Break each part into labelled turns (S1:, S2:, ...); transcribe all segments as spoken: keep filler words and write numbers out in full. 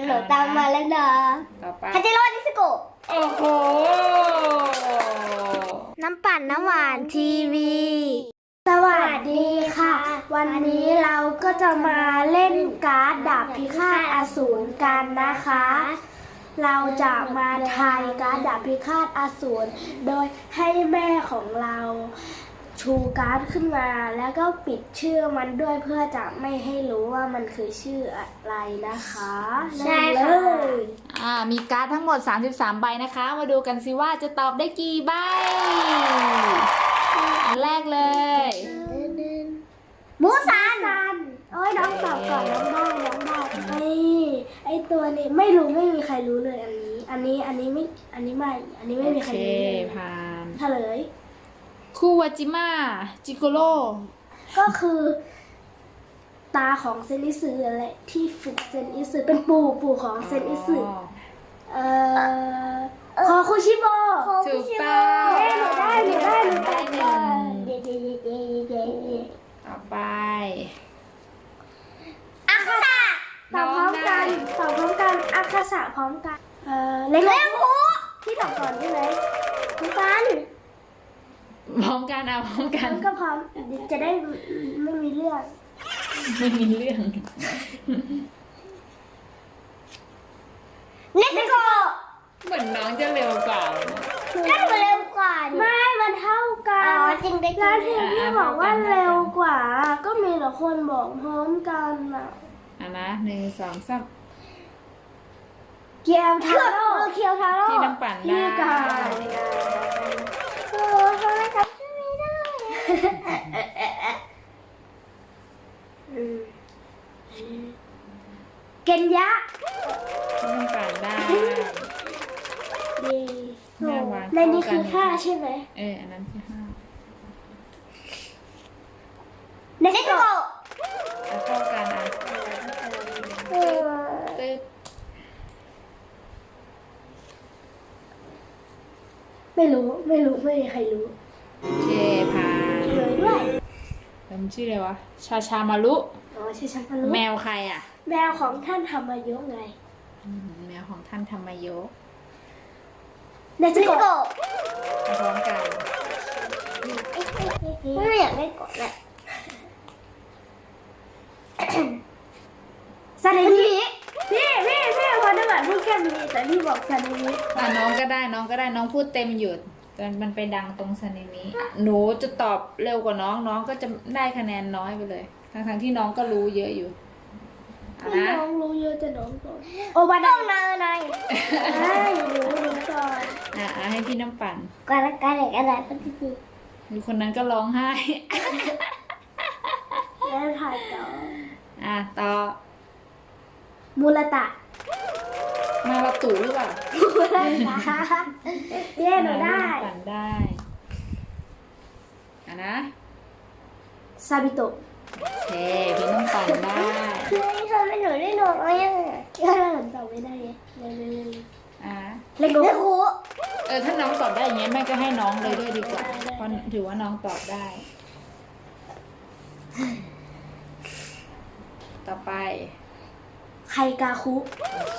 S1: หนูตามมาแล้วนะ
S2: ต่อไป
S1: ฮัจิโร่นิสโกะ
S2: โอ้โห
S1: น้ำปั่นน้ำหวานทีวีสวัสดีค่ะ วันนี้เราก็จะมาเล่นการ์ดดาบพิฆาตอสูรกันนะคะ เราจะมาทายการ์ดดาบพิฆาตอสูรโดยให้แม่ของเราชูการ์ดขึ้นมาแล้วก็ปิดชื่อมันด้วยเพื่อจะไม่ให้รู้ว่ามันคือชื่ออะไรนะคะใช่เลย
S2: อ่ามีการ์ดทั้งหมดสามสิบสามใบนะคะมาดูกันสิว่าจะตอบได้กี่ใบอันแรกเลย
S1: มูซานโอ้ยน้องตอบก่อนน้องได้น้องได้ไอ้ไอ้ตัวนี้ไม่รู้ไม่มีใครรู้เลยอันนี้ อันนี้อันนี้ไม่อันนี้ไม่อันนี้ไม่มีใครรู้เลย
S2: ผ่าน
S1: เฉลย
S2: คูวาจิมะจิโกโร่
S1: ก็คือตาของเซนอิสึแหละที่ฝึกเซนอิสึเป็นปู่ปู่ของเซนอิสึเอ่อคอคุชิโบ
S2: ถูกต้อง
S1: หนูได้หนูได้หนูได้หนึ่ง
S2: ต่อไป
S1: อาคาสะตอบพร้อมกันตอบพร้อมกันอาคาสะพร้อมกันเอ่อเล็กหูที่ตอบก่อนใช่ไหมพร้อมกัน
S2: พร้อมกันเอาพร้อมกัน
S1: ก็พร้อมจะได้ไม่มีเรื่อง
S2: ไม่มีเรื่อง
S1: เนสโก
S2: เหมือนน้องจะเร็วกว่า
S1: ก็หนูเร็วกว่าไม่มันเท่ากันจริงได้แล้วที่พี่บอกว่าเร็วกว่าก็มีแต่คนบอกพร้อมกันอ่ะ
S2: อ่ะนะหนึ่งสองสาม
S1: เกียวทาโร่เกียวทาโร่
S2: ที่น้ำปั่นได้
S1: ที่กันโอ้ทำไมทำชื่อไม่ได้เกนยะ
S2: ที่น้ำปั่นได้
S1: ดีในนี้คือห้าใช่ไหม
S2: เอออันนั้นคือห้า
S1: เนสโกะ
S2: แล้วเข้ากันอ่ะตึ๊ด
S1: ไม่รู้ไม่รู้ไม่มีใครรู้
S2: โอเคผ่าน
S1: เลยด้วย
S2: เป็นชื่ออะไรวะชาชามารุ
S1: อ๋อชื่อชามารุ
S2: แมวใครอ่ะ
S1: แมวของท่านธรรมยกไง
S2: แมวของท่านธรรมยก
S1: เนสโกะ
S2: พร้อมกัน
S1: ไม่อยากได้กดแหละซาเนมิพี่พี่พี่พอได้แบบพูดแค่นี้แต่พี่บอกซาเนมิ
S2: อ่ะน้องก็ได้น้องก็ได้น้องพูดเต็มหยุดแต่มันไปดังตรงซาเนมิหนูจะตอบเร็วกว่าน้องน้องก็จะได้คะแนนน้อยไปเลยทั้งทั้งที่น้องก็รู้เยอะอยู่
S1: นะน้องรู้เยอะแต่น้องก่อนโอบาดองนายนายให้รู้รู้ก่อน
S2: อ่ะให้พี่น้ำปั่น
S1: การการอะไรกันอะไรก็คือ
S2: มีคนนั้นก็ร้องไห้
S1: แล้วถ่ายต่อ
S2: อ่ะต่อ
S1: มูลตะ
S2: มาลาตูหรือเปล่า
S1: มูลตะเย้หนูได้
S2: ปั่นได้อ่ะนะ
S1: ซาบิโตะ
S2: โอเคพี่น้ำปั่นได้
S1: เฮ้ยทำไมหนูได้หนูอะไรอ่ะก็หนูตอบไม่ได้เลยเลย
S2: อ่ะ
S1: เล็กเล็กหู
S2: เออถ้าน้องตอบได้อย่างเงี้ยแม่ก็ให้น้องเลยด้วยดีกว่าเพราะถือว่าน้องตอบได้ต่อไป
S1: ไคกาคุ
S2: โอเค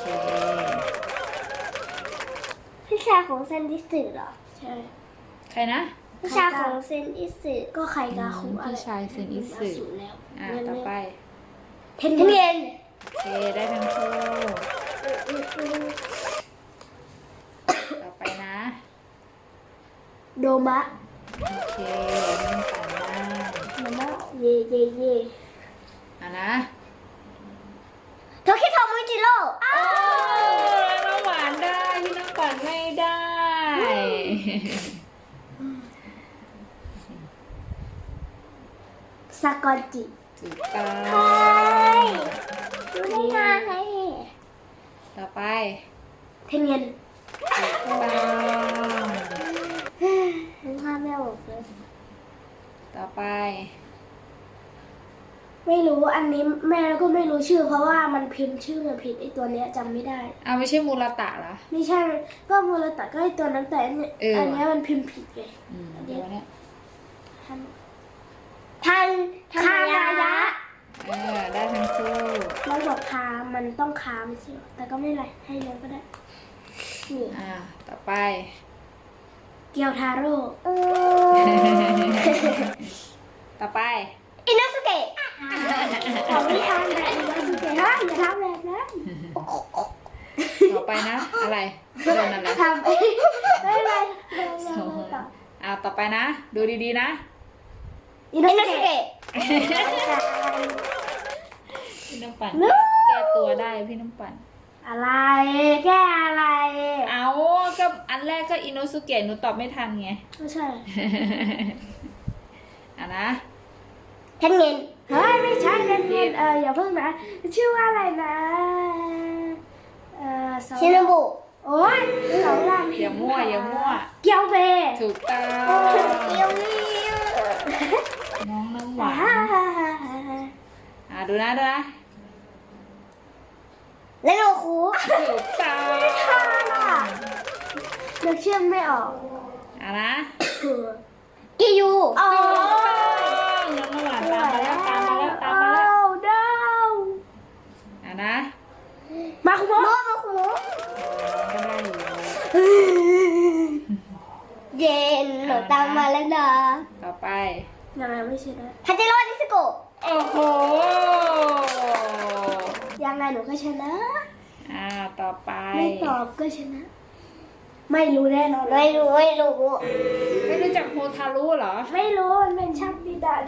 S1: พี่ชายของเซนอิสึเหรอใช่
S2: ใครนะ
S1: พี่ชายของเซนอิสึก็ไคกาคุ
S2: พี่ชายเซนอิสึอ่าต่อไป
S1: เทนเย็น
S2: โอเคได้ทั้งคู่ต่อไปนะ
S1: โดมะ
S2: โอเคมันปั่นได้
S1: โดมะเย่เย่เย่
S2: อ่ะนะ
S1: โทคิโทมุจิโร่
S2: โอ้น้องหวานได้พี่น้องปั่นไม่ได้
S1: ซากอนจิ
S2: ถูกต้อง
S1: ดูได้ไง
S2: ต่อไป
S1: เทนเย็น
S2: ถูกต้อง
S1: นึกภาพไม่ออกเลย
S2: ต่อไป
S1: ไม่รู้อันนี้แม่ก็ไม่รู้ชื่อเพราะว่ามันพิมพ์ชื่อมันผิดไอตัวเนี้ยจำไม่ได้
S2: อ้าวไม่ใช่มูลตะเหรอ
S1: ไม่ใช่ก็มูลตะก็ไอตัวนั้นแต่อันนี้อันนี้มันพิมพ์ผิดไง
S2: อันนี้
S1: ทันทันคานายะ
S2: อเออได้ทั้งคู่
S1: เราบอกค้ามันต้องค้าไม่ใช่เหรอแต่ก็ไม่เป็นไรให้เลยก็ได้นี่
S2: อ่าต่อไป
S1: เกียวทาโร่
S2: ต่อไป
S1: อินโนสุเกะของพี่ทานแบบอินโนสุเกะฮะอย่าทำแบบนั้น
S2: ต่อไปนะ อะไรโดนอะไร
S1: ทำไม่ไม่ไม่
S2: สองอ่าต่อไปนะ ดูดีๆนะ
S1: อินโนสุเกะ
S2: พี่น้ำปั่นแก้ตัวได้พี่น้ำปั่น
S1: อะไรแก้อะไร
S2: เอาก็อันแรกก็อินโนสุเกะหนูตอบไม่ทันไง
S1: ไม่ใช่
S2: อ่ะนะ
S1: เทนเงินเฮ้ยไม่ใช่เทนเงินเอออย่าเพิ่งนะชื่อว่าอะไรนะเออชินบุโอ้ยสองลำ
S2: อย่ามั่วอย่ามั่ว
S1: เกียวเบ
S2: ถูกต้อง
S1: เกียวเบ
S2: น้องน้ำหวานอ่ะดูนะดูนะ
S1: และโนคู
S2: ถูกต้อง
S1: นึกชื่อไม่ออก
S2: อ่ะนะ
S1: กิยูอ๋อ
S2: ถูกต้องน้องน้ำหวานตามมาแล้วตามมาแล้วตามมาแล้ว
S1: ดาว
S2: อ่ะนะ
S1: มาคุโมะมาคุโมะ
S2: ก็ได้อยู่
S1: เย็นหนูตามมาแล้วนะ
S2: ต่อไป
S1: ยังไงไม่ใช่นะฮัจิโร่นิสโกะ
S2: โอ้โห
S1: ยังไงหนูก็ชนะ
S2: อ่าต่อไป
S1: ไม่ตอบก็ชนะ ไม่รู้แน่นอนไม่รู้ไม่รู้
S2: ไม่รู้จักโฮทารุเหรอ
S1: ไม่รู้มันเป็นช่างดีดา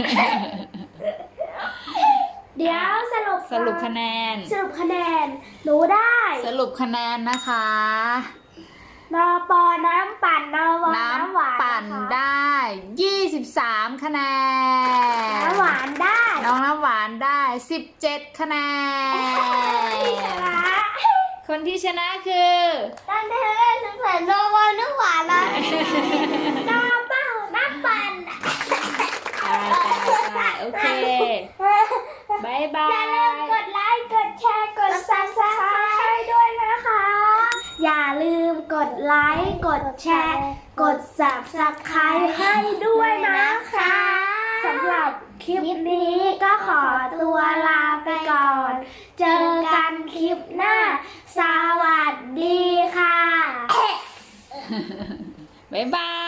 S1: เดี๋ยวสรุป
S2: สรุปคะแนน
S1: สรุปคะแนนหนูได้
S2: สรุปคะแนนนะคะ
S1: นอปอน้ำปั่นนอวอน้ำหวาน
S2: น้ำปั่น
S1: นะคะ
S2: ได้ ยี่สิบสาม คะแนน
S1: น้ำหวานได้
S2: น้องน้ำหวานได้ สิบเจ็ด คะแนน
S1: ชนะ
S2: คนที่ชนะคือ
S1: ตั้งแต่แรกฉันเหมือนนอวอน้ำหวานเลยนอเป้าน้ำปั่น
S2: ตายตายตายโอเคบายบา
S1: อย่าลืม
S2: ย
S1: กดไลค์ กดแชร์ กด ซับสไครต์ให้ด้วยนะคะ อย่าลืมกดไลค์ กดแชร์ กด ซับสไครต์ให้ด้วยนะคะสำหรับคลิปนี้ก็ขอตัวลาไปก่อน เจอกันคลิปหน้า สวัสดีค่ะ
S2: บ๊ายบาย